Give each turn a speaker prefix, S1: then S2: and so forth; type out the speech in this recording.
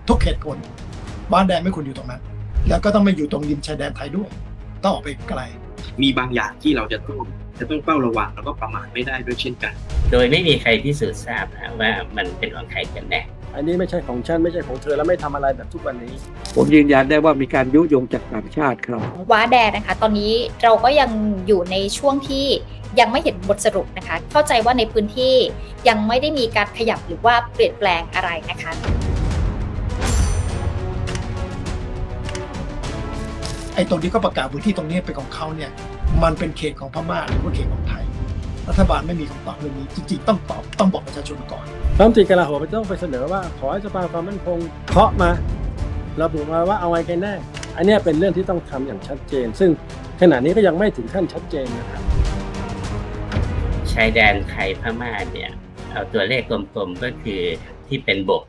S1: ทุกเหตุผลบ้านแดงไม่ควรอยู่ตรงนั้นแล้วก็ต้องไม่อยู่ตรงริมชายแดนไทยด้วยต้องออกไปไกล
S2: มีบางอย่างที่เราจะต้องเฝ้าระวังแล้วก็ประมาทไม่ได้ด้วยเช่นกัน
S3: โดยไม่มีใครพิสูจน์ทราบนะว่ามันเป็นของใครกันแน่
S4: อันนี้ไม่ใช่ของฉันไม่ใช่ของเธอแล้วไม่ทำอะไรแบบทุกวันนี้
S5: ผมยืนยันได้ว่ามีการยุยงจากต่างชาติครับ
S6: ว้าแดงนะคะตอนนี้เราก็ยังอยู่ในช่วงที่ยังไม่เห็นบทสรุปนะคะเข้าใจว่าในพื้นที่ยังไม่ได้มีการขยับหรือว่าเปลี่ยนแปลงอะไรนะคะ
S1: ไอ้ตรงที่เขาประกาศพื้นที่ตรงนี้เป็นของเขาเนี่ยมันเป็นเขตของพม่าหรือว่าเขตของไทยรัฐบาลไม่มีคำตอบเรื่องนี้จริงๆต้องตอบต้องบอกประชาชนก่อน
S4: รัฐมนตรีกลาโหมต้องไปเสนอว่าขอให้สภาความมั่นคงเคาะมาระบุมาว่าเอาไงกันแน่อันนี้เป็นเรื่องที่ต้องทำอย่างชัดเจน ซึ่งขณะนี้ก็ยังไม่ถึงขั้นชัดเจนนะครับ
S3: ชายแดนไทยพม่าเนี่ยเอาตัวเลขกลมๆก็คือที่เป็นบก